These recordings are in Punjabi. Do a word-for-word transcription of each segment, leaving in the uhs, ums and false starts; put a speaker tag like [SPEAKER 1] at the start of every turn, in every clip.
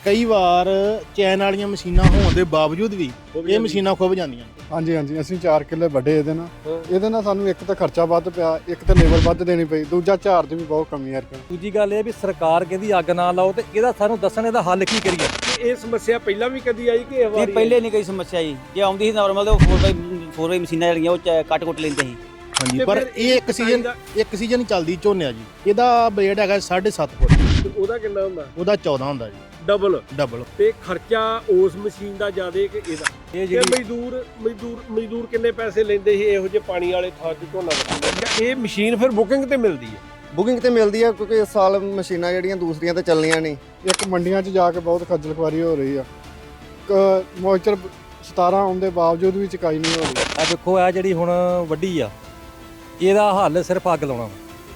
[SPEAKER 1] ਕਈ ਵਾਰ ਚੈਨ ਵਾਲੀਆਂ ਮਸ਼ੀਨਾਂ ਹੋਣ ਦੇ ਬਾਵਜੂਦ ਵੀ ਇਹ ਮਸ਼ੀਨਾਂ ਖੁੱਭ ਜਾਂਦੀਆਂ।
[SPEAKER 2] ਹਾਂਜੀ ਹਾਂਜੀ ਅਸੀਂ ਚਾਰ ਕਿੱਲੇ ਵੱਡੇ ਇਹਦੇ ਨਾਲ ਇਹਦੇ ਨਾਲ ਸਾਨੂੰ ਇੱਕ ਤਾਂ ਖਰਚਾ ਵੱਧ ਪਿਆ, ਇੱਕ ਤਾਂ ਲੇਬਰ ਵੱਧ ਦੇਣੀ ਪਈ, ਦੂਜਾ ਝਾੜ ਦੀ ਵੀ ਬਹੁਤ ਕਮੀ ਆ।
[SPEAKER 3] ਦੂਜੀ ਗੱਲ ਇਹ ਵੀ ਸਰਕਾਰ ਕਹਿੰਦੀ ਅੱਗ ਨਾ ਲਾਓ ਤੇ ਇਹਦਾ ਸਾਨੂੰ ਦੱਸਣ ਇਹਦਾ ਹੱਲ ਕੀ ਕਰੀਏ।
[SPEAKER 4] ਇਹ ਸਮੱਸਿਆ ਪਹਿਲਾਂ ਵੀ ਕਦੀ ਆਈ ਕਿ ਇਹ ਵਾਰੀ?
[SPEAKER 5] ਨਹੀਂ ਪਹਿਲੇ ਨਹੀਂ ਕੋਈ ਸਮੱਸਿਆ ਜੀ, ਜੇ ਆਉਂਦੀ ਸੀ ਨਾਰਮਲ ਤੇ ਉਹ ਫੋਰ ਬਾਈ ਫੋਰ ਬਾਈ ਮਸ਼ੀਨਾਂ ਜਿਹੜੀਆਂ ਉਹ ਕੱਟ ਕੁੱਟ ਲੈਂਦੇ ਸੀ।
[SPEAKER 1] ਹਾਂਜੀ ਪਰ ਇਹ ਇੱਕ ਸੀਜ਼ਨ ਇੱਕ ਸੀਜ਼ਨ ਚੱਲਦੀ ਝੋਨੇ ਜੀ। ਇਹਦਾ ਬਲੇਡ ਹੈਗਾ ਸਾਢੇ ਸੱਤ ਫੁੱਟ,
[SPEAKER 4] ਤੇ ਉਹਦਾ ਕਿੰਨਾ ਹੁੰਦਾ?
[SPEAKER 1] ਉਹਦਾ ਚੌਦਾਂ ਹੁੰਦਾ ਜੀ।
[SPEAKER 4] ਡਬਲ
[SPEAKER 1] ਡਬਲ
[SPEAKER 4] ਤੇ ਖਰਚਾ ਉਸ ਮਸ਼ੀਨ ਦਾ ਜ਼ਿਆਦਾ ਕਿ ਇਹਦਾ?
[SPEAKER 3] ਇਹ
[SPEAKER 4] ਤੇ
[SPEAKER 3] ਜਿਹੜੀ
[SPEAKER 4] ਮਜ਼ਦੂਰ ਮਜ਼ਦੂਰ ਮਜ਼ਦੂਰ ਕਿੰਨੇ ਪੈਸੇ ਲੈਂਦੇ ਸੀ ਇਹੋ ਜਿਹੇ ਪਾਣੀ ਵਾਲੇ ਥਾਂ 'ਚ ਝੋਨਾ ਵੱਢਣ? ਇਹ ਮਸ਼ੀਨ ਫਿਰ ਬੁਕਿੰਗ ਤੇ ਮਿਲਦੀ ਹੈ?
[SPEAKER 6] ਬੁਕਿੰਗ ਤੇ ਮਿਲਦੀ ਆ ਕਿਉਂਕਿ ਇਸ ਸਾਲ ਮਸ਼ੀਨਾਂ ਜਿਹੜੀਆਂ ਦੂਸਰੀਆਂ ਤੇ ਚੱਲਣੀਆਂ ਨਹੀਂ।
[SPEAKER 2] ਇੱਕ ਮੰਡੀਆਂ 'ਚ ਜਾ ਕੇ ਬਹੁਤ ਖੱਜਲ ਖੁਆਰੀ ਹੋ ਰਹੀ ਆ, ਮੋਇਸਚਰ ਸਤਾਰਾਂ ਆਉਣ ਦੇ ਬਾਵਜੂਦ ਵੀ ਚੁਕਾਈ ਨਹੀਂ ਹੋ ਰਹੀ।
[SPEAKER 3] ਆ ਦੇਖੋ ਆ ਜਿਹੜੀ ਹੁਣ ਵੱਡੀ ਆ ਇਹਦਾ ਹੱਲ ਸਿਰਫ ਅੱਗ ਲਾਉਣਾ।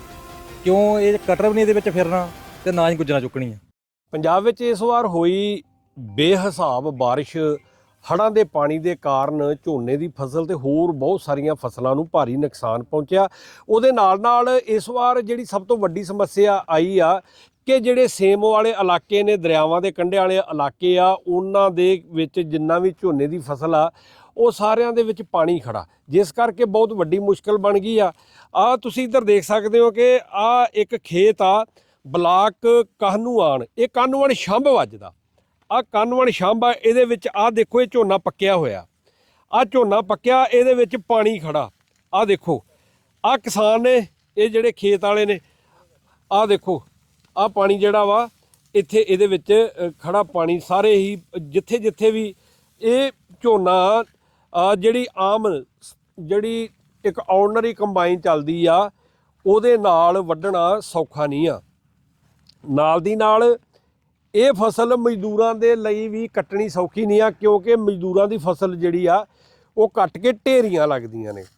[SPEAKER 3] ਕਿਉਂ ਇਹ ਕਟਰ ਵੀ ਨਹੀਂ ਇਹਦੇ ਵਿੱਚ ਫਿਰਨਾ ਤੇ ਨਾ ਹੀ ਗੁੱਜਰਾਂ ਚੁੱਕਣੀਆਂ।
[SPEAKER 4] ਪੰਜਾਬ ਵਿੱਚ ਇਸ ਵਾਰ ਹੋਈ ਬੇਹਿਸਾਬ ਬਾਰਿਸ਼, ਹੜ੍ਹਾਂ ਦੇ ਪਾਣੀ ਦੇ ਕਾਰਨ ਝੋਨੇ ਦੀ ਫਸਲ ਤੇ ਹੋਰ ਬਹੁਤ ਸਾਰੀਆਂ ਫਸਲਾਂ ਨੂੰ ਭਾਰੀ ਨੁਕਸਾਨ ਪਹੁੰਚਿਆ। ਉਹਦੇ ਨਾਲ ਨਾਲ ਇਸ ਵਾਰ ਜਿਹੜੀ ਸਭ ਤੋਂ ਵੱਡੀ ਸਮੱਸਿਆ ਆਈ ਆ ਕਿ ਜਿਹੜੇ ਸੇਮ ਵਾਲੇ ਇਲਾਕੇ ਨੇ, ਦਰਿਆਵਾਂ ਦੇ ਕੰਢੇ ਵਾਲੇ ਇਲਾਕੇ ਆ, ਉਹਨਾਂ ਦੇ ਵਿੱਚ ਜਿੰਨਾ ਵੀ ਝੋਨੇ ਦੀ ਫਸਲ ਆ ਉਹ ਸਾਰਿਆਂ ਦੇ ਵਿੱਚ ਪਾਣੀ ਖੜਾ, ਜਿਸ ਕਰਕੇ ਬਹੁਤ ਵੱਡੀ ਮੁਸ਼ਕਲ ਬਣ ਗਈ ਆ। ਆ ਤੁਸੀਂ ਇੱਧਰ ਦੇਖ ਸਕਦੇ ਹੋ ਕਿ ਆ ਇੱਕ ਖੇਤ ਆ ਬਲਾਕ ਕਾਹਨੂਆਨ, ਇਹ ਕਾਹਨੂਆਨ ਛੰਭ ਵੱਜਦਾ। ਆ ਕਾਹਨੂਆਨ ਛੰਭ ਆ, ਇਹਦੇ ਵਿੱਚ ਆ ਦੇਖੋ ਇਹ ਝੋਨਾ ਪੱਕਿਆ ਹੋਇਆ, ਆ ਝੋਨਾ ਪੱਕਿਆ, ਇਹਦੇ ਵਿੱਚ ਪਾਣੀ ਖੜਾ। ਆ ਦੇਖੋ ਆ ਕਿਸਾਨ ਨੇ, ਇਹ ਜਿਹੜੇ ਖੇਤ ਵਾਲੇ ਨੇ, ਆ ਦੇਖੋ ਆ ਪਾਣੀ ਜਿਹੜਾ ਵਾ ਇੱਥੇ ਇਹਦੇ ਵਿੱਚ ਖੜਾ ਪਾਣੀ, ਸਾਰੇ ਹੀ ਜਿੱਥੇ ਜਿੱਥੇ ਵੀ ਇਹ ਝੋਨਾ ਜਿਹੜੀ ਆਮ ਜਿਹੜੀ ਇੱਕ ਆਰਡੀਨਰੀ ਕੰਬਾਈਨ ਚੱਲਦੀ ਆ ਉਹਦੇ ਨਾਲ ਵੱਢਣਾ ਸੌਖਾ ਨਹੀਂ ਆ। ਨਾਲ ਦੀ ਨਾਲ ਇਹ ਫਸਲ ਮਜ਼ਦੂਰਾਂ ਦੇ ਲਈ ਵੀ ਕੱਟਣੀ ਸੌਖੀ ਨਹੀਂ ਆ, ਕਿਉਂਕਿ ਮਜ਼ਦੂਰਾਂ ਦੀ ਫਸਲ ਜਿਹੜੀ ਆ ਉਹ ਕੱਟ ਕੇ ਢੇਰੀਆਂ ਲੱਗਦੀਆਂ ਨੇ।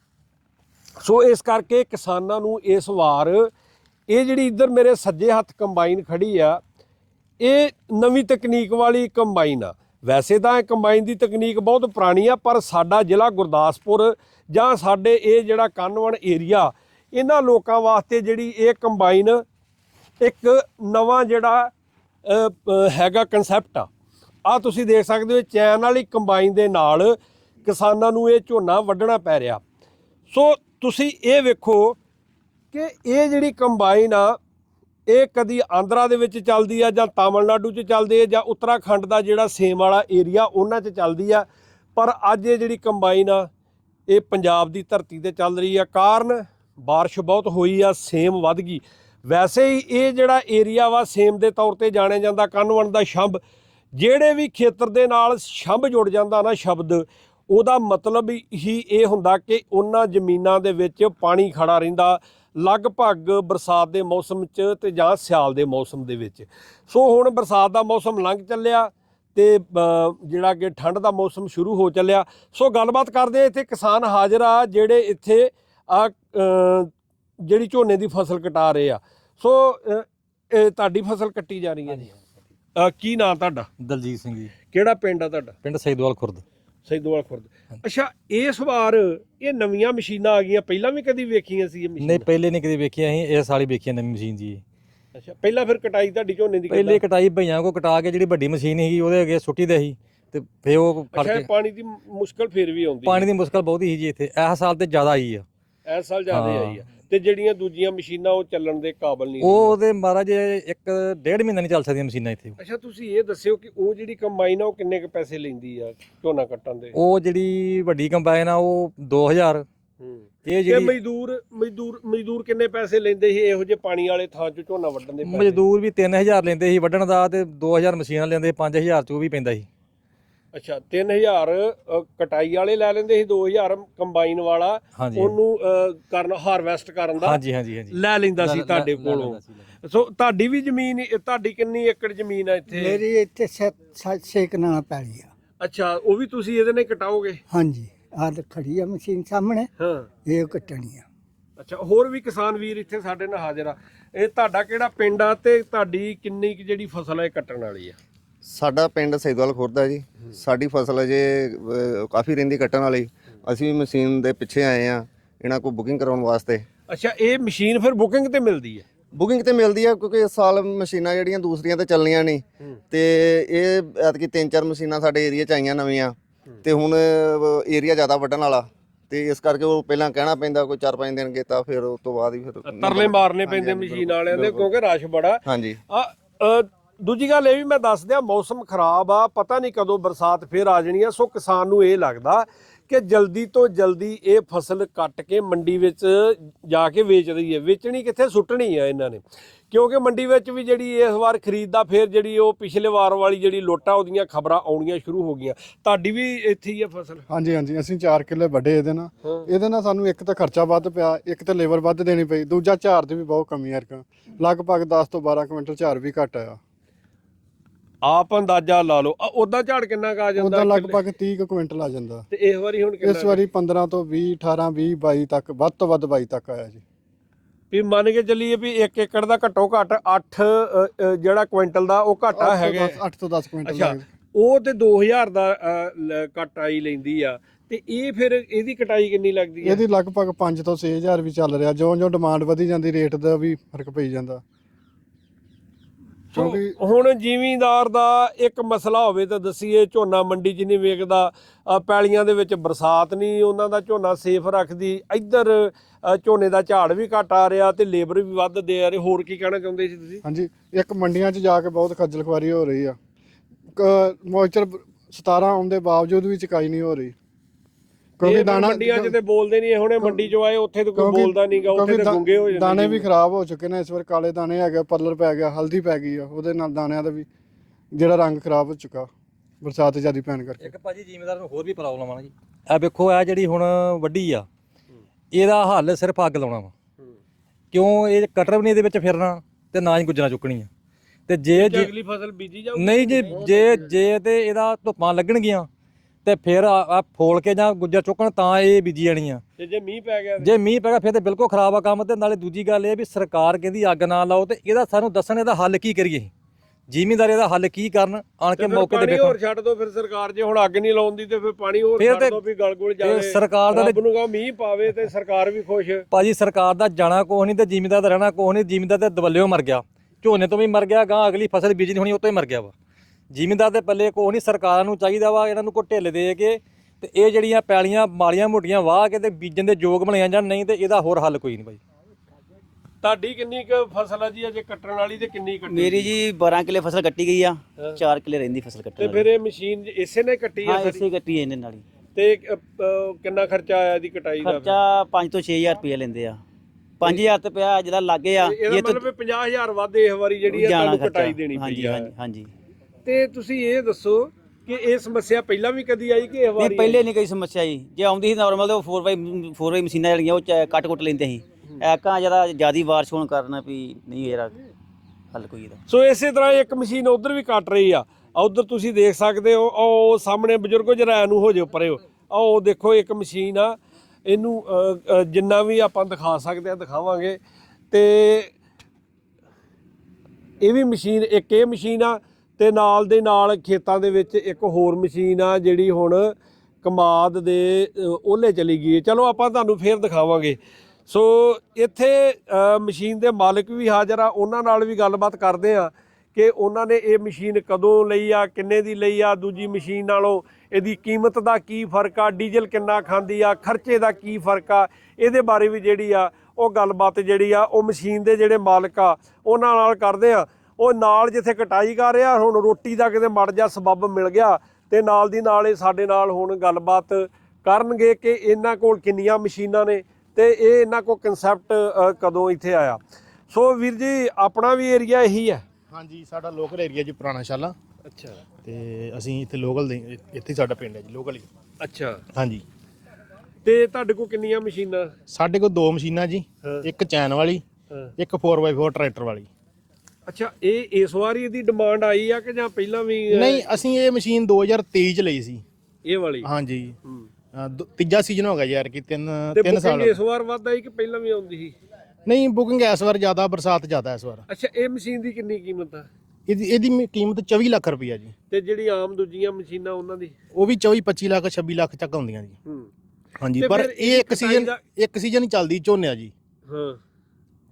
[SPEAKER 4] ਸੋ ਇਸ ਕਰਕੇ ਕਿਸਾਨਾਂ ਨੂੰ ਇਸ ਵਾਰ ਇਹ ਜਿਹੜੀ ਇੱਧਰ ਮੇਰੇ ਸੱਜੇ ਹੱਥ ਕੰਬਾਈਨ ਖੜੀ ਆ, ਇਹ ਨਵੀਂ ਤਕਨੀਕ ਵਾਲੀ ਕੰਬਾਈਨ ਆ। ਵੈਸੇ ਤਾਂ ਇਹ ਕੰਬਾਈਨ ਦੀ ਤਕਨੀਕ ਬਹੁਤ ਪੁਰਾਣੀ ਆ, ਪਰ ਸਾਡਾ ਜ਼ਿਲ੍ਹਾ ਗੁਰਦਾਸਪੁਰ ਜਾਂ ਸਾਡੇ ਇਹ ਜਿਹੜਾ ਕਾਹਨੂਆਨ ਏਰੀਆ, ਇਹਨਾਂ ਲੋਕਾਂ ਵਾਸਤੇ ਜਿਹੜੀ ਇਹ ਕੰਬਾਈਨ ਇੱਕ ਨਵਾਂ ਜਿਹੜਾ ਹੈਗਾ ਕਨਸੈਪਟ ਆ। ਆ ਤੁਸੀਂ ਦੇਖ ਸਕਦੇ ਹੋ ਚੈਨ ਵਾਲੀ ਕੰਬਾਈਨ ਦੇ ਨਾਲ ਕਿਸਾਨਾਂ ਨੂੰ ਇਹ ਝੋਨਾ ਵੱਢਣਾ ਪੈ ਰਿਹਾ। ਸੋ ਤੁਸੀਂ ਇਹ ਵੇਖੋ ਕਿ ਇਹ ਜਿਹੜੀ ਕੰਬਾਈਨ ਆ ਇਹ ਕਦੀ ਆਂਧਰਾ ਦੇ ਵਿੱਚ ਚੱਲਦੀ ਆ ਜਾਂ ਤਾਮਿਲਨਾਡੂ 'ਚ ਚੱਲਦੀ ਹੈ ਜਾਂ ਉੱਤਰਾਖੰਡ ਦਾ ਜਿਹੜਾ ਸੇਮ ਵਾਲਾ ਏਰੀਆ ਉਹਨਾਂ 'ਚ ਚੱਲਦੀ ਆ, ਪਰ ਅੱਜ ਇਹ ਜਿਹੜੀ ਕੰਬਾਈਨ ਆ ਇਹ ਪੰਜਾਬ ਦੀ ਧਰਤੀ ਤੇ ਚੱਲ ਰਹੀ ਆ। ਕਾਰਨ ਬਾਰਿਸ਼ ਬਹੁਤ ਹੋਈ ਆ, ਸੇਮ ਵੱਧ ਗਈ। ਵੈਸੇ ਹੀ ਇਹ ਜਿਹੜਾ ਏਰੀਆ ਵਾ ਸੇਮ ਦੇ ਤੌਰ ਤੇ ਜਾਣਿਆ ਜਾਂਦਾ, ਕਾਹਨੂਆਨ ਦਾ ਛੰਭ। ਜਿਹੜੇ ਵੀ ਖੇਤਰ ਦੇ ਨਾਲ ਛੰਭ ਜੁੜ ਜਾਂਦਾ ਨਾ ਸ਼ਬਦ, ਉਹਦਾ ਮਤਲਬ ਹੀ ਇਹ ਹੁੰਦਾ ਕਿ ਉਹਨਾਂ ਜ਼ਮੀਨਾਂ ਦੇ ਵਿੱਚ ਪਾਣੀ ਖੜਾ ਰਹਿੰਦਾ ਲਗਭਗ ਬਰਸਾਤ ਦੇ ਮੌਸਮ 'ਚ ਤੇ ਜਾਂ ਸਿਆਲ ਦੇ ਮੌਸਮ ਦੇ ਵਿੱਚ। ਸੋ ਹੁਣ ਬਰਸਾਤ ਦਾ ਮੌਸਮ ਲੰਘ ਚੱਲਿਆ ਤੇ ਜਿਹੜਾ ਕਿ ਠੰਡ ਦਾ ਮੌਸਮ ਸ਼ੁਰੂ ਹੋ ਚੱਲਿਆ। ਸੋ ਗੱਲਬਾਤ ਕਰਦੇ ਇੱਥੇ ਕਿਸਾਨ ਹਾਜ਼ਰ ਆ ਜਿਹੜੇ ਇੱਥੇ ਆ ਜਿਹੜੀ ਝੋਨੇ ਦੀ ਫਸਲ ਕਟਾ ਰਹੇ ਆ। ਸੋ ਇਹ ਤੁਹਾਡੀ ਫਸਲ ਕੱਟੀ ਜਾ ਰਹੀ ਹੈ ਜੀ। ਕੀ ਨਾਂ ਤੁਹਾਡਾ?
[SPEAKER 3] ਦਲਜੀਤ ਸਿੰਘ ਜੀ।
[SPEAKER 4] ਕਿਹੜਾ ਪਿੰਡ ਆ ਤੁਹਾਡਾ?
[SPEAKER 3] ਪਿੰਡ ਸੈਦੋਵਾਲ ਖੁਰਦ।
[SPEAKER 4] ਸੈਦੋਵਾਲ ਖੁਰਦ। ਅੱਛਾ, ਇਸ ਵਾਰ ਇਹ ਨਵੀਆਂ ਮਸ਼ੀਨਾਂ ਆ ਗਈਆਂ, ਪਹਿਲਾਂ ਵੀ ਕਦੀ ਵੇਖੀਆਂ ਸੀ ਇਹ ਮਸ਼ੀਨਾਂ?
[SPEAKER 3] ਨਹੀਂ ਪਹਿਲੇ ਨਹੀਂ ਕਦੀ ਵੇਖੀਆਂ ਅਸੀਂ, ਇਸ ਸਾਲ ਹੀ ਵੇਖੀਆਂ ਨਵੀਂ ਮਸ਼ੀਨ ਜੀ।
[SPEAKER 4] ਅੱਛਾ, ਪਹਿਲਾਂ ਫਿਰ ਕਟਾਈ ਤੁਹਾਡੀ ਝੋਨੇ ਦੀ
[SPEAKER 3] ਪਹਿਲੇ ਕਟਾਈ ਭਈਆਂ ਕੋ ਕਟਾ ਕੇ ਜਿਹੜੀ ਵੱਡੀ ਮਸ਼ੀਨ ਸੀ ਉਹਦੇ ਅੱਗੇ ਸੁੱਟੀ ਦੇ ਸੀ ਤੇ ਫੇਰ ਉਹ ਫੜ ਕੇ।
[SPEAKER 4] ਪਾਣੀ ਦੀ ਮੁਸ਼ਕਲ ਫੇਰ ਵੀ ਆਉਂਦੀ?
[SPEAKER 3] ਪਾਣੀ ਦੀ ਮੁਸ਼ਕਲ ਬਹੁਤ ਹੀ ਜੀ ਇੱਥੇ, ਇਸ ਸਾਲ ਤੇ ਜ਼ਿਆਦਾ ਆਈ ਆ।
[SPEAKER 4] ਇਸ ਸਾਲ ਜ਼ਿਆਦਾ ਆਈ ਆ। ਤੇ ਜਿਹੜੀਆਂ ਦੂਜੀਆਂ ਮਸ਼ੀਨਾਂ ਉਹ ਚੱਲਣ ਦੇ ਕਾਬਲ ਨਹੀਂ?
[SPEAKER 3] ਉਹ ਉਹਦੇ ਮਹਾਰਾਜ ਇੱਕ ਡੇਢ ਮਹੀਨਾ ਨਹੀਂ ਚੱਲ ਸਕਦੀਆਂ ਮਸ਼ੀਨਾਂ ਇੱਥੇ।
[SPEAKER 4] ਅੱਛਾ, ਤੁਸੀਂ ਇਹ ਦੱਸਿਓ ਕਿ ਉਹ ਜਿਹੜੀ ਕੰਬਾਈਨ ਆ ਉਹ ਕਿੰਨੇ ਕੁ ਪੈਸੇ ਲੈਂਦੀ ਆ ਝੋਨਾ ਕੱਟਣ ਦੇ?
[SPEAKER 3] ਉਹ ਜਿਹੜੀ ਵੱਡੀ ਕੰਬਾਈਨ ਆ ਉਹ ਦੋ ਹਜ਼ਾਰ।
[SPEAKER 4] ਹੂੰ।
[SPEAKER 3] ਇਹ
[SPEAKER 4] ਜਿਹੜੀ ਮਜ਼ਦੂਰ ਮਜ਼ਦੂਰ ਮਜ਼ਦੂਰ ਕਿੰਨੇ ਪੈਸੇ ਲੈਂਦੇ ਸੀ ਇਹੋ ਜਿਹੇ ਪਾਣੀ ਵਾਲੇ ਥਾਂ 'ਚ ਝੋਨਾ ਵੱਢਣ ਦੇ?
[SPEAKER 3] ਮਜ਼ਦੂਰ ਵੀ ਤਿੰਨ ਹਜ਼ਾਰ ਲੈਂਦੇ ਸੀ ਵੱਢਣ ਦਾ ਤੇ ਦੋ ਹਜ਼ਾਰ ਮਸ਼ੀਨਾਂ ਲੈਂਦੇ, ਪੰਜ ਹਜ਼ਾਰ ਚ ਉਹ ਵੀ ਪੈਂਦਾ ਸੀ।
[SPEAKER 4] ਅੱਛਾ, ਤਿੰਨ ਹਜ਼ਾਰ ਕਟਾਈ ਵਾਲੇ ਲੈ ਲੈਂਦੇ ਸੀ, ਦੋ ਹਜ਼ਾਰ ਕੰਬਾਈਨ ਵਾਲਾ ਉਹਨੂੰ ਕਰਨ ਹਾਰਵੈਸਟ ਕਰਨ ਦਾ
[SPEAKER 3] ਹਾਂਜੀ ਹਾਂਜੀ ਹਾਂਜੀ
[SPEAKER 4] ਲੈ ਲੈਂਦਾ ਸੀ ਤੁਹਾਡੇ ਕੋਲੋਂ। ਸੋ ਤੁਹਾਡੀ ਵੀ ਜ਼ਮੀਨ, ਤੁਹਾਡੀ ਕਿੰਨੀ ਏਕੜ ਜ਼ਮੀਨ ਆ ਇੱਥੇ?
[SPEAKER 7] ਮੇਰੀ ਇੱਥੇ ਛੇ ਕਨਾਲਾਂ ਪੈਲੀ ਆ।
[SPEAKER 4] ਅੱਛਾ, ਉਹ ਵੀ ਤੁਸੀਂ ਇਹਦੇ ਨਾਲ ਕਟਾਓਗੇ?
[SPEAKER 7] ਹਾਂਜੀ, ਆਹ ਖੜੀ ਆ ਮਸ਼ੀਨ ਸਾਹਮਣੇ,
[SPEAKER 4] ਹਾਂ,
[SPEAKER 7] ਇਹ ਕੱਟਣੀ ਆ।
[SPEAKER 4] ਅੱਛਾ, ਹੋਰ ਵੀ ਕਿਸਾਨ ਵੀਰ ਇੱਥੇ ਸਾਡੇ ਨਾਲ ਹਾਜ਼ਰ ਆ। ਇਹ ਤੁਹਾਡਾ ਕਿਹੜਾ ਪਿੰਡ ਆ ਤੇ ਤੁਹਾਡੀ ਕਿੰਨੀ ਕੁ ਜਿਹੜੀ ਫਸਲ ਹੈ ਕੱਟਣ ਵਾਲੀ ਆ?
[SPEAKER 6] ਸਾਡਾ ਪਿੰਡ ਸੈਦੋਵਾਲ ਖੁਰਦ ਹੈ ਜੀ। ਸਾਡੀ ਫਸਲ ਅਜੇ ਕਾਫੀ ਰਹਿੰਦੀ ਕੱਟਣ ਵਾਲੀ। ਅਸੀਂ ਵੀ ਮਸ਼ੀਨ ਦੇ ਪਿੱਛੇ ਆਏ ਆ ਇਹਨਾਂ ਕੋਲ ਬੁਕਿੰਗ ਕਰਾਉਣ ਵਾਸਤੇ।
[SPEAKER 4] ਅੱਛਾ, ਇਹ ਮਸ਼ੀਨ ਫਿਰ ਬੁਕਿੰਗ ਤੇ ਮਿਲਦੀ ਹੈ?
[SPEAKER 6] ਬੁਕਿੰਗ ਤੇ ਮਿਲਦੀ ਆ ਕਿਉਂਕਿ ਇਸ ਸਾਲ ਮਸ਼ੀਨਾਂ ਜਿਹੜੀਆਂ ਦੂਸਰੀਆਂ ਤੇ ਚੱਲਣੀਆਂ ਨਹੀਂ ਤੇ ਇਹ ਐਤਕੀ ਤਿੰਨ ਚਾਰ ਮਸ਼ੀਨਾਂ ਸਾਡੇ ਏਰੀਆ 'ਚ ਆਈਆਂ ਨਵੀਆਂ ਤੇ ਹੁਣ ਏਰੀਆ ਜ਼ਿਆਦਾ ਵੱਢਣ ਵਾਲਾ ਤੇ ਇਸ ਕਰਕੇ ਉਹ ਪਹਿਲਾਂ ਕਹਿਣਾ ਪੈਂਦਾ ਕੋਈ ਚਾਰ ਪੰਜ ਦਿਨ ਕੀਤਾ ਫਿਰ ਉਸ ਤੋਂ ਬਾਅਦ ਹੀ ਫਿਰ
[SPEAKER 4] ਤਰਲੇ ਮਾਰਨੇ ਪੈਂਦੇ ਮਸ਼ੀਨ ਵਾਲਿਆਂ ਦੇ ਕਿਉਂਕਿ ਰਸ਼ ਬੜਾ।
[SPEAKER 6] ਹਾਂਜੀ
[SPEAKER 4] ਆ ਦੂਜੀ ਗੱਲ ਇਹ ਵੀ ਮੈਂ ਦੱਸ ਦਿਆਂ, ਮੌਸਮ ਖਰਾਬ ਆ, ਪਤਾ ਨਹੀਂ ਕਦੋਂ ਬਰਸਾਤ ਫੇਰ ਆ ਜਾਣੀ ਆ। ਸੋ ਕਿਸਾਨ ਨੂੰ ਇਹ ਲੱਗਦਾ ਕਿ ਜਲਦੀ ਤੋਂ ਜਲਦੀ ਇਹ ਫਸਲ ਕੱਟ ਕੇ ਮੰਡੀ ਵਿੱਚ ਜਾ ਕੇ ਵੇਚ ਦਈਏ। ਵੇਚਣੀ ਕਿੱਥੇ, ਸੁੱਟਣੀ ਆ ਇਹਨਾਂ ਨੇ, ਕਿਉਂਕਿ ਮੰਡੀ ਵਿੱਚ ਵੀ ਜਿਹੜੀ ਇਸ ਵਾਰ ਖਰੀਦਦਾ ਫਿਰ ਜਿਹੜੀ ਉਹ ਪਿਛਲੇ ਵਾਰ ਵਾਲੀ ਜਿਹੜੀ ਲੋਟਾ ਉਹਦੀਆਂ ਖਬਰਾਂ ਆਉਣੀਆਂ ਸ਼ੁਰੂ ਹੋ ਗਈਆਂ। ਤੁਹਾਡੀ ਵੀ ਇੱਥੇ ਹੀ ਆ ਫਸਲ?
[SPEAKER 2] ਹਾਂਜੀ ਹਾਂਜੀ, ਅਸੀਂ ਚਾਰ ਕਿੱਲੇ ਵੱਡੇ ਇਹਦੇ ਨਾਲ। ਇਹਦੇ ਨਾਲ ਸਾਨੂੰ ਇੱਕ ਤਾਂ ਖਰਚਾ ਵੱਧ ਪਿਆ, ਇੱਕ ਤਾਂ ਲੇਬਰ ਵੱਧ ਦੇਣੀ ਪਈ, ਦੂਜਾ ਝਾੜ ਦੀ ਵੀ ਬਹੁਤ ਕਮੀ ਆ। ਲਗਭਗ ਦਸ ਤੋਂ ਬਾਰਾਂ ਕੁਇੰਟਲ ਝਾੜ ਵੀ ਘੱਟ ਆਇਆ।
[SPEAKER 4] ਆਪ ਅੰਦਾਜ਼ਾ ਲਾ ਲਓ ਉਦਾਂ ਝਾੜ ਕਿੰਨਾ ਕੁ ਆ ਜਾਂਦਾ?
[SPEAKER 2] ਉਹਦਾ ਲਗਭਗ ਤੀਹ ਕੁ ਕੁਇੰਟਲ ਆ ਜਾਂਦਾ।
[SPEAKER 4] ਤੇ ਇਸ ਵਾਰੀ ਹੁਣ ਕਿੰਨਾ?
[SPEAKER 2] ਇਸ ਵਾਰੀ ਪੰਦਰਾਂ ਤੋਂ ਵੀਹ, ਅਠਾਰਾਂ, ਵੀਹ, ਬਾਈ ਤੱਕ, ਵੱਧ ਤੋਂ ਵੱਧ ਬਾਈ ਤੱਕ ਆਇਆ ਜੀ।
[SPEAKER 4] ਵੀ ਮੰਨ ਕੇ ਚੱਲੀਏ ਵੀ ਇੱਕ ਏਕੜ ਦਾ ਘੱਟੋ ਘੱਟ ਅੱਠ ਜਿਹੜਾ ਕੁਇੰਟਲ ਦਾ ਉਹ ਘਾਟਾ ਹੈਗਾ।
[SPEAKER 2] ਅੱਠ ਤੋਂ ਦਸ ਕੁਇੰਟਲ।
[SPEAKER 4] ਅੱਛਾ, ਉਹ ਤੇ ਦੋ ਹਜ਼ਾਰ ਦਾ ਕਟਾਈ ਲੈਂਦੀ ਆ ਤੇ ਇਹ ਫਿਰ ਇਹਦੀ ਕਟਾਈ ਕਿੰਨੀ ਲੱਗਦੀ ਆ?
[SPEAKER 2] ਇਹਦੀ ਲਗਭਗ ਪੰਜ ਤੋਂ ਛੇ ਹਜ਼ਾਰ ਵੀ ਚੱਲ ਰਿਹਾ। ਜਿਉਂ ਜਿਉਂ ਡਿਮਾਂਡ ਵਧੀ ਜਾਂਦੀ ਰੇਟ ਦਾ ਵੀ ਫਰਕ ਪਈ ਜਾਂਦਾ।
[SPEAKER 4] ਕਿਉਂਕਿ ਹੁਣ ਜ਼ਿਮੀਂਦਾਰ ਦਾ ਇੱਕ ਮਸਲਾ ਹੋਵੇ ਤਾਂ ਦੱਸੀਏ, ਝੋਨਾ ਮੰਡੀ 'ਚ ਨਹੀਂ ਵੇਚਦਾ, ਪੈਲੀਆਂ ਦੇ ਵਿੱਚ ਬਰਸਾਤ ਨਹੀਂ ਉਹਨਾਂ ਦਾ ਝੋਨਾ ਸੇਫ ਰੱਖਦੀ, ਇੱਧਰ ਝੋਨੇ ਦਾ ਝਾੜ ਵੀ ਘੱਟ ਆ ਰਿਹਾ ਤੇ ਲੇਬਰ ਵੀ ਵੱਧ ਦੇ ਆ ਰਹੇ। ਹੋਰ ਕੀ ਕਹਿਣਾ ਚਾਹੁੰਦੇ ਸੀ ਤੁਸੀਂ?
[SPEAKER 2] ਹਾਂਜੀ, ਇੱਕ ਮੰਡੀਆਂ 'ਚ ਜਾ ਕੇ ਬਹੁਤ ਖੱਜਲ ਖੁਆਰੀ ਹੋ ਰਹੀ ਆ। ਮੋਇਸਚਰ ਸਤਾਰਾਂ ਆਉਣ ਦੇ ਬਾਵਜੂਦ ਵੀ ਚਕਾਈ ਨਹੀਂ ਹੋ ਰਹੀ ਕਿਉਂਕਿ ਦਾਣਾ
[SPEAKER 4] ਮੰਡੀਆਂ 'ਚ ਤੇ ਬੋਲਦੇ ਨਹੀਂ। ਹੁਣੇ ਮੰਡੀ 'ਚੋਂ ਆਏ ਉੱਥੇ ਤਾਂ ਕੋਈ ਬੋਲਦਾ ਨਹੀਂਗਾ, ਉੱਥੇ ਤੇ ਗੁੰਗੇ ਹੋ ਜਾਂਦੇ।
[SPEAKER 2] ਦਾਣੇ ਵੀ ਖਰਾਬ ਹੋ ਚੁੱਕੇ ਨੇ ਇਸ ਵਾਰ। ਕਾਲੇ ਦਾਣੇ ਹੈਗੇ, ਪੱਲਰ ਪੈ ਗਿਆ, ਹਲਦੀ ਪੈ ਗਈ ਆ, ਉਹਦੇ ਨਾਲ ਦਾਣਿਆਂ ਦਾ ਵੀ ਜਿਹੜਾ ਰੰਗ ਖਰਾਬ ਹੋ ਚੁੱਕਾ ਬਰਸਾਤ ਜ਼ਿਆਦਾ ਪੈਣ ਕਰਕੇ।
[SPEAKER 3] ਇੱਕ ਭਾਜੀ ਜ਼ਿਮੀਂਦਾਰ ਨੂੰ ਹੋਰ ਵੀ ਪ੍ਰੋਬਲਮ ਆ ਨਾ ਜੀ। ਇਹ ਵੇਖੋ ਇਹ ਜਿਹੜੀ ਹੁਣ ਵੱਡੀ ਆ, ਇਹਦਾ ਹੱਲ ਸਿਰਫ ਅੱਗ ਲਾਉਣਾ ਵਾ। ਕਿਉਂ? ਇਹ ਕਟਰ ਵੀ ਨਹੀਂ ਇਹਦੇ ਵਿੱਚ ਫਿਰਨਾ ਤੇ ਨਾ ਹੀ ਗੁੱਜਰਾਂ ਚੁੱਕਣੀਆਂ। ਤੇ ਜੇ
[SPEAKER 4] ਅਗਲੀ ਫਸਲ ਬੀਜੀ ਜਾਊ
[SPEAKER 3] ਨਹੀਂ ਜੀ, ਜੇ ਜੇ ਤੇ ਇਹਦਾ ਧੁੱਪਾਂ ਲੱਗਣਗੀਆਂ ਤੇ ਫਿਰ ਆ ਫੋਲ ਕੇ ਜਾਂ ਗੁੱਜਰ ਚੁੱਕਣ ਤਾਂ ਇਹ ਬੀਜੀ ਜਾਣੀ ਆ।
[SPEAKER 4] ਤੇ ਜੇ ਮੀਂਹ ਪੈ ਗਿਆ?
[SPEAKER 3] ਜੇ ਮੀਂਹ ਪੈ ਗਿਆ ਫਿਰ ਤੇ ਬਿਲਕੁਲ ਖਰਾਬ ਆ ਕੰਮ। ਤੇ ਨਾਲੇ ਦੂਜੀ ਗੱਲ ਇਹ ਵੀ ਸਰਕਾਰ ਕਹਿੰਦੀ ਅੱਗ ਨਾ ਲਾਓ, ਤੇ ਇਹਦਾ ਸਾਨੂੰ ਦੱਸਣ ਇਹਦਾ ਹੱਲ ਕੀ ਕਰੀਏ। ਜ਼ਿਮੀਂਦਾਰ ਇਹਦਾ ਹੱਲ ਕੀ ਕਰਨ ਆਣ ਕੇ ਮੌਕੇ ਤੇ
[SPEAKER 4] ਦੇਖੋ। ਹੋਰ ਛੱਡ ਦੋ ਫਿਰ ਸਰਕਾਰ, ਜੇ ਹੁਣ ਅੱਗ ਨਹੀਂ ਲਾਉਂਦੀ ਤੇ ਫਿਰ ਪਾਣੀ ਹੋਰ ਛੱਡ ਦੋ ਵੀ ਗਲ ਗੁਲ ਜਾਵੇ।
[SPEAKER 3] ਸਰਕਾਰ ਦਾ
[SPEAKER 4] ਰੱਬ ਨੂੰ ਕਹੋ ਮੀਂਹ ਪਾਵੇ ਤੇ ਸਰਕਾਰ ਵੀ ਖੁਸ਼।
[SPEAKER 3] ਭਾਜੀ ਸਰਕਾਰ ਦਾ ਜਾਣਾ ਕੁਛ ਨਹੀਂ ਤੇ ਜ਼ਿਮੀਂਦਾਰ ਦਾ ਰਹਿਣਾ ਕੁਛ ਨਹੀਂ। ਜ਼ਿਮੀਂਦਾਰ ਤੇ ਦਵੱਲਿਓ ਮਰ ਗਿਆ, ਝੋਨੇ ਤੋਂ ਵੀ ਮਰ ਗਿਆ, ਗਾਂ ਅਗਲੀ ਫਸਲ ਬੀਜਣੀ ਹੋਣੀ ਉਹ ਤੋਂ ਹੀ ਮਰ ਗਿਆ ਵਾ। ਜ਼ਿਮੀਂਦਾਰ ਦੇ ਪੱਲੇ ਕੁਛ ਨਹੀਂ। ਸਰਕਾਰਾਂ ਨੂੰ ਚਾਹੀਦਾ ਵਾ ਇਹਨਾਂ ਨੂੰ ਕੋਈ ਢਿੱਲ ਦੇ ਕੇ ਤੇ ਇਹ ਜਿਹੜੀਆਂ ਪੈਲੀਆਂ ਮਾਲੀਆਂ ਮੋਟੀਆਂ ਵਾਹ ਕੇ ਤੇ ਬੀਜਣ ਦੇ ਯੋਗ ਬਣਾਈਆਂ ਜਾਣ, ਨਹੀਂ ਤੇ ਇਹਦਾ ਹੋਰ ਹੱਲ ਕੋਈ ਨਹੀਂ ਭਾਈ।
[SPEAKER 4] ਤੁਹਾਡੀ ਕਿੰਨੀ ਕੁ ਫਸਲ ਆ ਜੀ ਅਜੇ ਕੱਟਣ ਵਾਲੀ ਤੇ ਕਿੰਨੀ ਕੱਟੀ?
[SPEAKER 5] ਮੇਰੀ ਜੀ ਬਾਰਾਂ ਕਿੱਲੇ ਫਸਲ ਕੱਟੀ ਗਈ ਆ, ਚਾਰ ਕਿੱਲੇ ਰਹਿੰਦੀ ਫਸਲ ਕੱਟਣ
[SPEAKER 4] ਤੇ
[SPEAKER 5] ਵਾਲੀ।
[SPEAKER 4] ਫਿਰ ਇਹ ਮਸ਼ੀਨ ਇਸੇ ਨੇ ਕੱਟੀ ਆ
[SPEAKER 5] ਹਾਂ,
[SPEAKER 4] ਸਾਰੀ?
[SPEAKER 5] ਇਸੇ ਕੱਟੀ ਇਹਨੇ ਨਾਲ ਹੀ।
[SPEAKER 4] ਤੇ ਅ, ਅ, ਕਿੰਨਾ ਖਰਚਾ ਆਇਆ ਇਹਦੀ ਕਟਾਈ ਦਾ?
[SPEAKER 5] ਖਰਚਾ ਪੰਜ ਤੋਂ ਛੇ ਹਜ਼ਾਰ ਰੁਪਏ ਲੈਂਦੇ ਆ। ਪੰਜ ਹਜ਼ਾਰ ਤੇ ਪਿਆ ਜਿਹੜਾ ਲੱਗੇ ਆ।
[SPEAKER 4] ਇਹਦਾ ਮਤਲਬ ਪੰਜਾਹ ਹਜ਼ਾਰ ਵੱਧ ਇਸ ਵਾਰੀ ਜਿਹੜੀ ਆ ਤੁਹਾਨੂੰ ਕਟਾਈ ਦੇਣੀ ਪਈ ਆ।
[SPEAKER 5] ਹਾਂਜੀ।
[SPEAKER 4] ਤੇ ਤੁਸੀਂ ਇਹ ਦੱਸੋ ਕਿ ਇਹ ਸਮੱਸਿਆ ਪਹਿਲਾਂ ਵੀ ਕਦੀ ਆਈ ਕਿ ਇਸ ਵਾਰੀ?
[SPEAKER 5] ਨਹੀਂ, ਪਹਿਲੇ ਨਹੀਂ ਕੋਈ ਸਮੱਸਿਆ ਜੀ। ਜੇ ਆਉਂਦੀ ਸੀ ਨਾਰਮਲ ਤੇ ਉਹ ਫੋਰ ਬਾਈ ਫੋਰ ਬਾਈ ਮਸ਼ੀਨਾਂ ਜਿਹੜੀਆਂ ਉਹ ਕੱਟ ਕੁੱਟ ਲੈਂਦੇ ਸੀ। ਐਕਾਂ ਜਿਹੜਾ ਜ਼ਿਆਦੀ ਬਾਰਿਸ਼ ਹੋਣ ਕਾਰਨ ਵੀ ਨਹੀਂ ਇਹਦਾ ਹੱਲ ਕੋਈ ਇਹਦਾ।
[SPEAKER 4] ਸੋ ਇਸੇ ਤਰ੍ਹਾਂ ਇੱਕ ਮਸ਼ੀਨ ਉਧਰ ਵੀ ਕੱਟ ਰਹੀ ਆ। ਉਧਰ ਤੁਸੀਂ ਦੇਖ ਸਕਦੇ ਹੋ, ਉਹ ਸਾਹਮਣੇ ਬਜ਼ੁਰਗੋ ਜਰਾ ਨੂੰ ਹੋ ਜਾਓ ਪਰੇ ਹੋ। ਉਹ ਦੇਖੋ ਇੱਕ ਮਸ਼ੀਨ ਆ, ਇਹਨੂੰ ਜਿੰਨਾ ਵੀ ਆਪਾਂ ਦਿਖਾ ਸਕਦੇ ਆ ਦਿਖਾਵਾਂਗੇ। ਤੇ ਇਹ ਵੀ ਮਸ਼ੀਨ, ਇੱਕ ਇਹ ਮਸ਼ੀਨ ਆ ਤੇ ਨਾਲ ਦੇ ਨਾਲ ਖੇਤਾਂ ਦੇ ਵਿੱਚ ਇੱਕ ਹੋਰ ਮਸ਼ੀਨ ਆ ਜਿਹੜੀ ਹੁਣ ਕਮਾਦ ਦੇ ਉਹਲੇ ਚਲੀ ਗਈ। ਚਲੋ ਆਪਾਂ ਤੁਹਾਨੂੰ ਫੇਰ ਦਿਖਾਵਾਂਗੇ। ਸੋ ਇੱਥੇ ਮਸ਼ੀਨ ਦੇ ਮਾਲਕ ਵੀ ਹਾਜ਼ਰ ਆ, ਉਹਨਾਂ ਨਾਲ ਵੀ ਗੱਲਬਾਤ ਕਰਦੇ ਆ ਕਿ ਉਹਨਾਂ ਨੇ ਇਹ ਮਸ਼ੀਨ ਕਦੋਂ ਲਈ ਆ, ਕਿੰਨੇ ਦੀ ਲਈ ਆ, ਦੂਜੀ ਮਸ਼ੀਨ ਨਾਲੋਂ ਇਹਦੀ ਕੀਮਤ ਦਾ ਕੀ ਫਰਕ ਆ, ਡੀਜ਼ਲ ਕਿੰਨਾ ਖਾਂਦੀ ਆ, ਖਰਚੇ ਦਾ ਕੀ ਫਰਕ ਆ, ਇਹਦੇ ਬਾਰੇ ਵੀ ਜਿਹੜੀ ਆ ਉਹ ਗੱਲਬਾਤ ਜਿਹੜੀ ਆ ਉਹ ਮਸ਼ੀਨ ਦੇ ਜਿਹੜੇ ਮਾਲਕ ਆ ਉਹਨਾਂ ਨਾਲ ਕਰਦੇ ਆ। ਉਹ ਨਾਲ ਜਿੱਥੇ ਕਟਾਈ ਕਰ ਰਿਹਾ, ਹੁਣ ਰੋਟੀ ਦਾ ਕਿਤੇ ਮੜ ਜਾ ਸਬੱਬ ਮਿਲ ਗਿਆ ਤੇ ਨਾਲ ਦੀ ਨਾਲ ਇਹ ਸਾਡੇ ਨਾਲ ਹੁਣ ਗੱਲਬਾਤ ਕਰਨਗੇ ਕਿ ਇਹਨਾਂ ਕੋਲ ਕਿੰਨੀਆਂ ਮਸ਼ੀਨਾਂ ਨੇ ਤੇ ਇਹ ਇਹਨਾਂ ਕੋਲ ਕਨਸੈਪਟ ਕਦੋਂ ਇੱਥੇ ਆਇਆ। ਸੋ ਵੀਰ ਜੀ, ਆਪਣਾ ਵੀ ਏਰੀਆ ਇਹੀ ਹੈ?
[SPEAKER 1] ਹਾਂਜੀ, ਸਾਡਾ ਲੋਕਲ ਏਰੀਆ ਜੀ, ਪੁਰਾਣਾ ਸ਼ਾਲਾ।
[SPEAKER 4] ਅੱਛਾ।
[SPEAKER 1] ਤੇ ਅਸੀਂ ਇੱਥੇ ਲੋਕਲ ਦੇ ਇੱਥੇ ਸਾਡਾ ਪਿੰਡ ਹੈ ਜੀ, ਲੋਕਲ ਹੀ।
[SPEAKER 4] ਅੱਛਾ।
[SPEAKER 1] ਹਾਂਜੀ।
[SPEAKER 4] ਤੇ ਤੁਹਾਡੇ ਕੋਲ ਕਿੰਨੀਆਂ ਮਸ਼ੀਨਾਂ?
[SPEAKER 1] ਸਾਡੇ ਕੋਲ ਦੋ ਮਸ਼ੀਨਾਂ ਜੀ, ਇੱਕ ਚੈਨ ਵਾਲੀ, ਇੱਕ ਫੋਰ ਬਾਈ ਫੋਰ ਟਰੈਕਟਰ ਵਾਲੀ।
[SPEAKER 4] ਅੱਛਾ, ਇਹ ਇਸ ਵਾਰੀ ਇਹਦੀ ਡਿਮਾਂਡ ਆਈ ਆ ਕਿ ਜਾਂ ਪਹਿਲਾਂ ਵੀ?
[SPEAKER 1] ਨਹੀਂ, ਅਸੀਂ ਇਹ ਮਸ਼ੀਨ ਦੋ ਹਜ਼ਾਰ ਤੇਈ ਚ ਲਈ ਸੀ
[SPEAKER 4] ਇਹ ਵਾਲੀ।
[SPEAKER 1] ਹਾਂਜੀ। ਤੀਜਾ ਸੀਜ਼ਨ ਹੋ ਗਿਆ ਯਾਰ ਕਿ ਤਿੰਨ ਤਿੰਨ ਸਾਲ।
[SPEAKER 4] ਇਸ ਵਾਰ ਵੱਧ ਆਈ ਕਿ ਪਹਿਲਾਂ ਵੀ ਆਉਂਦੀ ਸੀ?
[SPEAKER 1] ਨਹੀਂ, ਬੁਕਿੰਗ ਇਸ ਵਾਰ ਜ਼ਿਆਦਾ, ਬਰਸਾਤ ਜ਼ਿਆਦਾ ਇਸ ਵਾਰ।
[SPEAKER 4] ਅੱਛਾ, ਇਹ ਮਸ਼ੀਨ ਦੀ ਕਿੰਨੀ ਕੀਮਤ ਆ?
[SPEAKER 1] ਇਹਦੀ ਇਹਦੀ ਕੀਮਤ ਚੌਵੀ ਲੱਖ ਰੁਪਈਆ ਜੀ।
[SPEAKER 4] ਤੇ ਜਿਹੜੀ ਆਮ ਦੂਜੀਆਂ ਮਸ਼ੀਨਾਂ ਉਹਨਾਂ ਦੀ?
[SPEAKER 1] ਉਹ ਵੀ ਚੌਵੀ ਪੱਚੀ ਲੱਖ ਛੱਬੀ ਲੱਖ ਤੱਕ ਆਉਂਦੀਆਂ ਜੀ। ਹਾਂਜੀ, ਪਰ ਇਹ ਇੱਕ ਸੀਜ਼ਨ ਇੱਕ ਸੀਜ਼ਨ ਹੀ ਚੱਲਦੀ ਝੋਨੇ ਆ ਜੀ।
[SPEAKER 4] ਹਾਂ।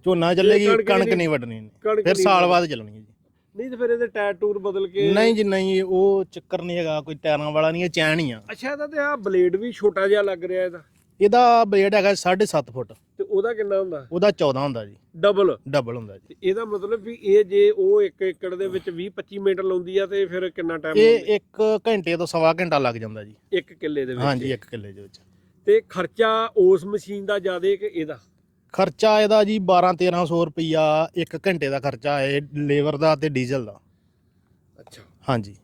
[SPEAKER 1] ਝੋਨਾ ਚੱਲੇਗੀ,
[SPEAKER 4] ਕਣਕ
[SPEAKER 1] ਕਣਕ
[SPEAKER 4] ਨਹੀਂ-
[SPEAKER 1] ਨਹੀਂ ਵੱਢਣੀ ਇਹਨੇ।
[SPEAKER 4] ਕਣਕ
[SPEAKER 1] ਫਿਰ
[SPEAKER 4] ਨਹੀਂ
[SPEAKER 1] ਸਾਲ
[SPEAKER 4] ਵੱਢਣੀ।
[SPEAKER 1] ਬਾਅਦ ਚੱਲਣੀ ਹੈ ਜੀ।
[SPEAKER 4] ਨਹੀਂ ਤੇ ਫਿਰ ਇਹਦੇ ਟਾਇਰ ਟੂਰ ਬਦਲ ਕੇ
[SPEAKER 1] ਨਹੀਂ ਜੀ ਨਹੀਂ, ਉਹ ਚੱਕਰ ਨਹੀਂ ਹੈਗਾ, ਕੋਈ ਟਾਇਰਾਂ ਵਾਲਾ ਨਹੀਂ, ਇਹ ਚੈਨ ਹੀ ਆ।
[SPEAKER 4] ਅੱਛਾ ਇਹਦਾ ਤੇ ਆ ਬਲੇਡ ਵੀ ਛੋਟਾ ਜਿਹਾ ਲੱਗ ਰਿਹਾ ਇਹਦਾ,
[SPEAKER 1] ਇਹਦਾ ਬਲੇਡ ਹੈਗਾ ਸਾਢੇ ਸੱਤ ਫੁੱਟ,
[SPEAKER 4] ਤੇ ਉਹਦਾ ਕਿੰਨਾ ਹੁੰਦਾ?
[SPEAKER 1] ਉਹਦਾ ਚੌਦਾਂ ਹੁੰਦਾ ਜੀ,
[SPEAKER 4] ਡਬਲ।
[SPEAKER 1] ਡਬਲ ਹੁੰਦਾ ਜੀ।
[SPEAKER 4] ਇਹਦਾ ਮਤਲਬ ਵੀ ਇਹ ਜੇ ਉਹ ਇੱਕ ਏਕੜ ਦੇ ਵਿੱਚ ਵੀਹ ਪੱਚੀ ਮਿੰਟ ਲਾਉਂਦੀ ਆ ਤੇ ਫਿਰ ਕਿੰਨਾ ਟਾਈਮ
[SPEAKER 1] ਇਹ ਇੱਕ ਘੰਟੇ ਤੋਂ ਸਵਾ ਘੰਟਾ ਲੱਗ ਜਾਂਦਾ ਜੀ।
[SPEAKER 4] ਇੱਕ ਕਿੱਲੇ ਦੇ ਵਿੱਚ?
[SPEAKER 1] ਹਾਂਜੀ, ਇੱਕ ਕਿੱਲੇ ਦੇ ਵਿੱਚ।
[SPEAKER 4] ਤੇ ਖਰਚਾ ਉਸ ਮਸ਼ੀਨ ਦਾ ਜ਼ਿਆਦਾ ਕਿ ਇਹਦਾ?
[SPEAKER 1] ਖਰਚਾ ਇਹਦਾ ਜੀ ਬਾਰਾਂ ਤੇਰਾਂ ਸੌ ਰੁਪਈਆ ਇੱਕ ਘੰਟੇ ਦਾ ਖਰਚਾ ਹੈ, ਲੇਬਰ ਦਾ ਤੇ ਡੀਜ਼ਲ ਦਾ।
[SPEAKER 4] ਅੱਛਾ।
[SPEAKER 1] ਹਾਂਜੀ।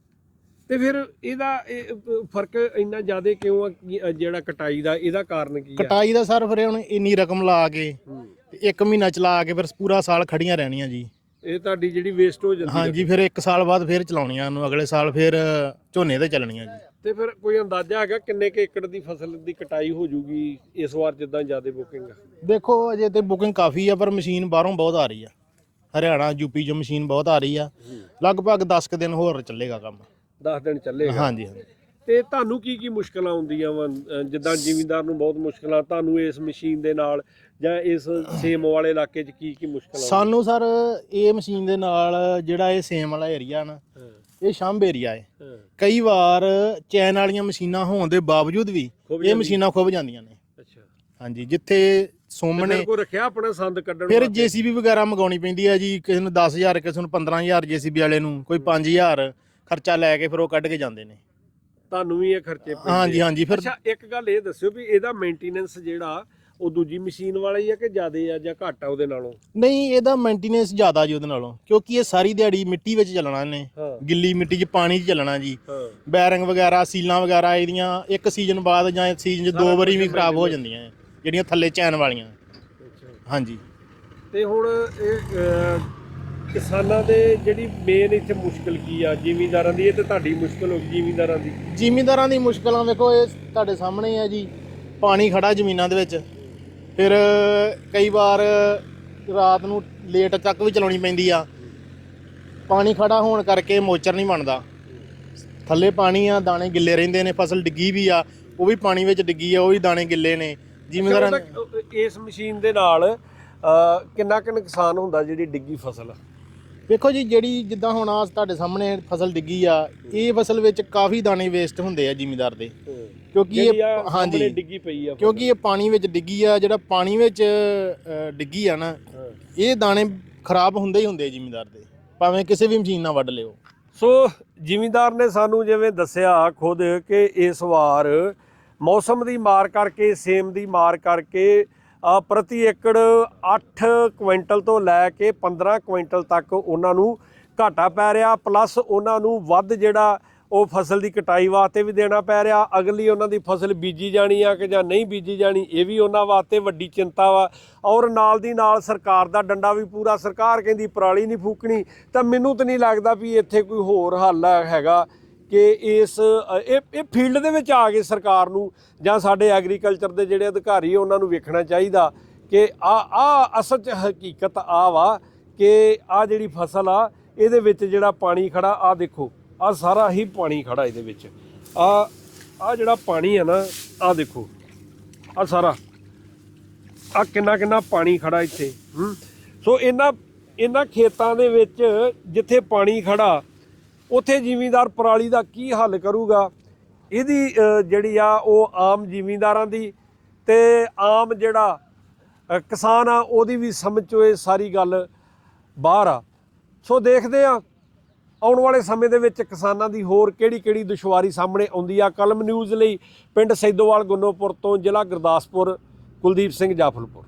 [SPEAKER 4] ਤੇ ਫਿਰ ਇਹਦਾ ਇਹ ਫਰਕ ਇੰਨਾ ਜ਼ਿਆਦਾ ਕਿਉਂ ਆ? ਕੀ- ਜਿਹੜਾ ਕਟਾਈ ਦਾ ਇਹਦਾ ਕਾਰਨ ਕੀ ਆ?
[SPEAKER 1] ਕਟਾਈ ਦਾ ਸਰ ਫਿਰ ਹੁਣ ਇੰਨੀ ਰਕਮ ਲਾ ਕੇ
[SPEAKER 4] ਹੂੰ।
[SPEAKER 1] ਤੇ ਇੱਕ ਮਹੀਨਾ ਚਲਾ ਕੇ ਫਿਰ ਪੂਰਾ ਸਾਲ ਖੜੀਆਂ ਰਹਿਣੀਆਂ ਜੀ।
[SPEAKER 4] ਇਹ ਤੁਹਾਡੀ ਜਿਹੜੀ ਵੇਸਟ ਹੋ ਜਾਂਦੀ
[SPEAKER 1] ਹਾਂਜੀ, ਫਿਰ ਇੱਕ ਸਾਲ ਬਾਅਦ ਫਿਰ ਚਲਾਉਣੀਆਂ ਉਹਨੂੰ, ਅਗਲੇ ਸਾਲ ਫਿਰ ਝੋਨੇ ਤੇ ਚੱਲਣੀਆਂ ਜੀ।
[SPEAKER 4] ਤੇ ਫਿਰ ਕੋਈ ਅੰਦਾਜ਼ਾ ਹੈਗਾ ਕਿੰਨੇ ਕੁ ਏਕੜ ਦੀ ਫਸਲ ਦੀ ਕਟਾਈ ਹੋ ਜੂਗੀ ਇਸ ਵਾਰ ਜਿੱਦਾਂ ਜ਼ਿਆਦਾ ਬੁਕਿੰਗ ਆ?
[SPEAKER 1] ਦੇਖੋ ਅਜੇ ਤੇ ਬੁਕਿੰਗ ਕਾਫੀ ਆ, ਪਰ ਮਸ਼ੀਨ ਬਾਹਰੋਂ ਬਹੁਤ ਆ ਰਹੀ ਆ। ਹਰਿਆਣਾ ਯੂਪੀ ਚੋਂ ਮਸ਼ੀਨ ਬਹੁਤ ਆ ਰਹੀ ਆ। ਲਗਭਗ ਦਸ ਕੁ ਦਿਨ ਹੋਰ ਚੱਲੇਗਾ ਕੰਮ।
[SPEAKER 4] ਦਸ ਦਿਨ ਚੱਲੇਗਾ?
[SPEAKER 1] ਹਾਂਜੀ ਹਾਂਜੀ।
[SPEAKER 4] ਤੇ ਤੁਹਾਨੂੰ ਕੀ ਕੀ ਮੁਸ਼ਕਲਾਂ ਆਉਂਦੀਆਂ ਵਾ? ਜਿੱਦਾਂ ਜ਼ਿਮੀਂਦਾਰ ਨੂੰ ਬਹੁਤ ਮੁਸ਼ਕਲਾਂ, ਤੁਹਾਨੂੰ ਇਸ ਮਸ਼ੀਨ ਦੇ ਨਾਲ ਜਾਂ ਇਸ ਸੇਮ ਵਾਲੇ ਇਲਾਕੇ 'ਚ ਕੀ ਕੀ ਮੁਸ਼ਕਲਾਂ?
[SPEAKER 1] ਸਾਨੂੰ ਸਰ ਇਹ ਮਸ਼ੀਨ ਦੇ ਨਾਲ ਜਿਹੜਾ ਇਹ ਸੇਮ ਵਾਲਾ ਏਰੀਆ ਨਾ,
[SPEAKER 4] ਹਾਂ,
[SPEAKER 1] ਇਹ ਸ਼ੰਭ ਏਰੀਆ ਹੈ।
[SPEAKER 4] ਹਾਂ,
[SPEAKER 1] ਕਈ ਵਾਰ ਚੈਨ ਵਾਲੀਆਂ ਮਸ਼ੀਨਾਂ ਹੋਣ ਦੇ ਬਾਵਜੂਦ ਵੀ
[SPEAKER 4] ਖੁੱਭ
[SPEAKER 1] ਇਹ
[SPEAKER 4] ਜਾਂਦੀਆਂ।
[SPEAKER 1] ਮਸ਼ੀਨਾਂ ਖੁੱਭ ਜਾਂਦੀਆਂ ਨੇ।
[SPEAKER 4] ਅੱਛਾ।
[SPEAKER 1] ਹਾਂਜੀ, ਜਿੱਥੇ ਸੋਮਣੇ
[SPEAKER 4] ਫਿਰ ਕੋਈ ਰੱਖਿਆ ਆਪਣਾ ਸੰਦ ਕੱਢਣ
[SPEAKER 1] ਫਿਰ
[SPEAKER 4] ਵਾਸਤੇ?
[SPEAKER 1] ਜੀਸੀਬੀ ਵਗੈਰਾ ਮੰਗਾਉਣੀ ਪੈਂਦੀ ਹੈ ਜੀ। ਕਿਸੇ ਨੂੰ ਦਸ ਹਜ਼ਾਰ, ਕਿਸੇ ਨੂੰ ਪੰਦਰਾਂ ਹਜ਼ਾਰ, ਜੀਸੀਬੀ ਵਾਲੇ ਨੂੰ ਕੋਈ ਪੰਜ ਹਜ਼ਾਰ ਖਰਚਾ ਲੈ ਕੇ ਫਿਰ ਉਹ ਕੱਢ ਕੇ ਜਾਂਦੇ ਨੇ।
[SPEAKER 4] ਤੁਹਾਨੂੰ ਵੀ ਇਹ ਖਰਚੇ ਪੈਂਦੇ?
[SPEAKER 1] ਹਾਂਜੀ ਹਾਂਜੀ। ਫਿਰ
[SPEAKER 4] ਅੱਛਾ, ਇੱਕ ਗੱਲ ਇਹ ਦੱਸਿਓ ਵੀ ਇਹਦਾ ਮੇਨਟੇਨੈਂਸ ਜਿਹੜਾ ਉਹ ਦੂਜੀ ਮਸ਼ੀਨ ਵਾਲਾ ਹੀ ਆ ਕਿ ਜ਼ਿਆਦਾ ਆ ਜਾਂ ਘੱਟ ਆ ਉਹਦੇ ਨਾਲੋਂ?
[SPEAKER 1] ਨਹੀਂ, ਇਹਦਾ ਮੇਨਟੇਨੈਂਸ ਜ਼ਿਆਦਾ ਜੀ ਉਹਦੇ ਨਾਲੋਂ, ਕਿਉਂਕਿ ਇਹ ਸਾਰੀ ਦਿਹਾੜੀ ਮਿੱਟੀ ਵਿੱਚ ਚੱਲਣਾ ਇਹਨੇ,
[SPEAKER 4] ਹਾਂ,
[SPEAKER 1] ਗਿੱਲੀ ਮਿੱਟੀ 'ਚ ਪਾਣੀ 'ਚ ਚੱਲਣਾ ਜੀ।
[SPEAKER 4] ਹਾਂ।
[SPEAKER 1] ਬੈਰਿੰਗ ਵਗੈਰਾ, ਸੀਲਾਂ ਵਗੈਰਾ ਇਹਦੀਆਂ ਇੱਕ ਸੀਜ਼ਨ ਬਾਅਦ ਜਾਂ ਸੀਜ਼ਨ 'ਚ ਦੋ ਵਾਰੀ ਵੀ ਖਰਾਬ ਹੋ ਜਾਂਦੀਆਂ ਹੈ, ਜਿਹੜੀਆਂ ਥੱਲੇ ਚੈਨ ਵਾਲੀਆਂ।
[SPEAKER 4] ਅੱਛਾ।
[SPEAKER 1] ਹਾਂਜੀ।
[SPEAKER 4] ਤੇ ਹੁਣ ਇਹ ਅਹ, ਕਿਸਾਨਾਂ ਦੇ ਜਿਹੜੀ ਮੇਨ ਇੱਥੇ ਮੁਸ਼ਕਲ ਕੀ ਆ? ਜ਼ਿਮੀਂਦਾਰਾਂ ਦੀ? ਇਹ ਤੇ ਤੁਹਾਡੀ ਮੁਸ਼ਕਲ ਹੋ ਗਈ ਜ਼ਿਮੀਂਦਾਰਾਂ ਦੀ।
[SPEAKER 1] ਜ਼ਿਮੀਂਦਾਰਾਂ ਦੀ ਮੁਸ਼ਕਲਾਂ ਵੇਖੋ, ਇਹ ਤੁਹਾਡੇ ਸਾਹਮਣੇ ਹੈ ਜੀ। ਪਾਣੀ ਖੜਾ ਜ਼ਮੀਨਾਂ ਦੇ ਵਿੱਚ, ਫਿਰ ਕਈ ਵਾਰ ਰਾਤ ਨੂੰ ਲੇਟ ਤੱਕ ਵੀ ਚਲਾਉਣੀ ਪੈਂਦੀ ਆ। ਪਾਣੀ ਖੜਾ ਹੋਣ ਕਰਕੇ ਮੋਚਰ ਨਹੀਂ ਬਣਦਾ, ਥੱਲੇ ਪਾਣੀ ਆ, ਦਾਣੇ ਗਿੱਲੇ ਰਹਿੰਦੇ ਨੇ। ਫਸਲ ਡਿੱਗੀ ਵੀ ਆ, ਉਹ ਵੀ ਪਾਣੀ ਵਿੱਚ ਡਿੱਗੀ ਆ, ਉਹ ਵੀ ਦਾਣੇ ਗਿੱਲੇ ਨੇ। ਜ਼ਿਮੀਂਦਾਰਾਂ
[SPEAKER 4] ਅੱਛਾ, ਉਹਦਾ, ਅਹ, ਇਸ ਮਸ਼ੀਨ ਦੇ ਨਾਲ ਅਹ, ਕਿੰਨਾ ਕੁ ਨੁਕਸਾਨ ਹੁੰਦਾ ਜਿਹੜੀ ਡਿੱਗੀ ਫਸਲ?
[SPEAKER 1] ਵੇਖੋ ਜੀ, ਜਿਹੜੀ ਜਿੱਦਾਂ ਹੁਣ ਆ ਤੁਹਾਡੇ ਸਾਹਮਣੇ ਫਸਲ ਡਿੱਗੀ ਆ, ਇਹ ਫਸਲ ਵਿੱਚ ਕਾਫੀ ਦਾਣੇ ਵੇਸਟ ਹੁੰਦੇ ਆ ਜ਼ਿਮੀਂਦਾਰ ਦੇ, ਕਿਉਂਕਿ
[SPEAKER 4] ਜਿਹੜੀ
[SPEAKER 1] ਇਹ
[SPEAKER 4] ਆ ਸਾਹਮਣੇ
[SPEAKER 1] ਹਾਂਜੀ
[SPEAKER 4] ਡਿੱਗੀ ਪਈ ਆ ਫਸਲ।
[SPEAKER 1] ਕਿਉਂਕਿ ਇਹ ਪਾਣੀ ਵਿੱਚ ਡਿੱਗੀ ਆ। ਜਿਹੜਾ ਪਾਣੀ ਵਿੱਚ ਅ, ਡਿੱਗੀ ਆ ਨਾ,
[SPEAKER 4] ਹਾਂ।
[SPEAKER 1] ਇਹ ਦਾਣੇ ਖਰਾਬ ਹੁੰਦੇ ਹੀ ਹੁੰਦੇ ਆ ਜ਼ਿਮੀਂਦਾਰ ਦੇ, ਭਾਵੇਂ ਕਿਸੇ ਵੀ ਮਸ਼ੀਨ ਨਾਲ ਵੱਢ ਲਿਓ।
[SPEAKER 4] ਸੋ ਜ਼ਿਮੀਂਦਾਰ ਨੇ ਸਾਨੂੰ ਜਿਵੇਂ ਦੱਸਿਆ ਖੁਦ ਕਿ ਇਸ ਵਾਰ ਮੌਸਮ ਦੀ ਮਾਰ ਕਰਕੇ, ਸੇਮ ਦੀ ਮਾਰ ਕਰਕੇ ਅ, ਪ੍ਰਤੀ ਏਕੜ ਅੱਠ ਕੁਇੰਟਲ ਤੋਂ ਲੈ ਕੇ ਪੰਦਰਾਂ ਕੁਇੰਟਲ ਤੱਕ ਉਹਨਾਂ ਨੂੰ ਘਾਟਾ ਪੈ ਰਿਹਾ, ਪਲੱਸ ਉਹਨਾਂ ਨੂੰ ਵੱਧ ਜਿਹੜਾ ਉਹ ਫਸਲ ਦੀ ਕਟਾਈ ਵਾਸਤੇ ਵੀ ਦੇਣਾ ਪੈ ਰਿਹਾ। ਅਗਲੀ ਉਹਨਾਂ ਦੀ ਫਸਲ ਬੀਜੀ ਜਾਣੀ ਆ ਕਿ ਜਾਂ ਨਹੀਂ ਬੀਜੀ ਜਾਣੀ, ਇਹ ਵੀ ਉਹਨਾਂ ਵਾਸਤੇ ਵੱਡੀ ਚਿੰਤਾ ਵਾ। ਔਰ ਨਾਲ ਦੀ ਨਾਲ ਸਰਕਾਰ ਦਾ ਡੰਡਾ ਵੀ ਪੂਰਾ, ਸਰਕਾਰ ਕਹਿੰਦੀ ਪਰਾਲੀ ਨਹੀਂ ਫੂਕਣੀ। ਤਾਂ ਮੈਨੂੰ ਤਾਂ ਨਹੀਂ ਲੱਗਦਾ ਵੀ ਇੱਥੇ ਕੋਈ ਹੋਰ ਹੱਲ ਹੈਗਾ ਕਿ ਇਸ ਇਹ ਇਹ ਫੀਲਡ ਦੇ ਵਿੱਚ ਆ ਕੇ ਸਰਕਾਰ ਨੂੰ ਜਾਂ ਸਾਡੇ ਐਗਰੀਕਲਚਰ ਦੇ ਜਿਹੜੇ ਅਧਿਕਾਰੀ ਉਹਨਾਂ ਨੂੰ ਵੇਖਣਾ ਚਾਹੀਦਾ ਕਿ ਆ ਆ ਅਸਲ 'ਚ ਹਕੀਕਤ ਆ ਵਾ ਕਿ ਆ ਜਿਹੜੀ ਫਸਲ ਆ ਇਹਦੇ ਵਿੱਚ ਜਿਹੜਾ ਪਾਣੀ ਖੜਾ, ਆ ਦੇਖੋ, ਆ ਸਾਰਾ ਹੀ ਪਾਣੀ ਖੜਾ ਇਹਦੇ ਵਿੱਚ। ਆ ਆ ਜਿਹੜਾ ਪਾਣੀ ਆ ਨਾ, ਆ ਦੇਖੋ, ਆ ਸਾਰਾ ਆ ਕਿੰਨਾ ਕਿੰਨਾ ਪਾਣੀ ਖੜਾ ਇੱਥੇ। ਹੂੰ ਸੋ ਇਹਨਾਂ ਇਹਨਾਂ ਖੇਤਾਂ ਦੇ ਵਿੱਚ ਜਿੱਥੇ ਪਾਣੀ ਖੜਾ, ਉੱਥੇ ਜ਼ਿਮੀਂਦਾਰ ਪਰਾਲੀ ਦਾ ਕੀ ਹੱਲ ਕਰੂਗਾ? ਇਹਦੀ ਅ, ਜਿਹੜੀ ਆ ਉਹ ਆਮ ਜ਼ਿਮੀਂਦਾਰਾਂ ਦੀ ਤੇ ਆਮ ਜਿਹੜਾ ਅ, ਕਿਸਾਨ ਆ ਉਹਦੀ ਵੀ ਸਮਝ 'ਚੋਂ ਇਹ ਸਾਰੀ ਗੱਲ ਬਾਹਰ ਆ। ਸੋ ਦੇਖਦੇ ਆ ਆਉਣ ਵਾਲੇ ਸਮੇਂ ਦੇ ਵਿੱਚ ਕਿਸਾਨਾਂ ਦੀ ਹੋਰ ਕਿਹੜੀ ਕਿਹੜੀ ਦੁਸ਼ਵਾਰੀ ਸਾਹਮਣੇ ਆਉਂਦੀ ਆ। ਕਲਮ ਨਿਊਜ਼ ਲਈ ਪਿੰਡ ਸੈਦੋਵਾਲ ਗੁੰਨੋਪੁਰ ਤੋਂ ਜ਼ਿਲ੍ਹਾ ਗੁਰਦਾਸਪੁਰ, ਕੁਲਦੀਪ ਸਿੰਘ ਜਾਫਲਪੁਰ।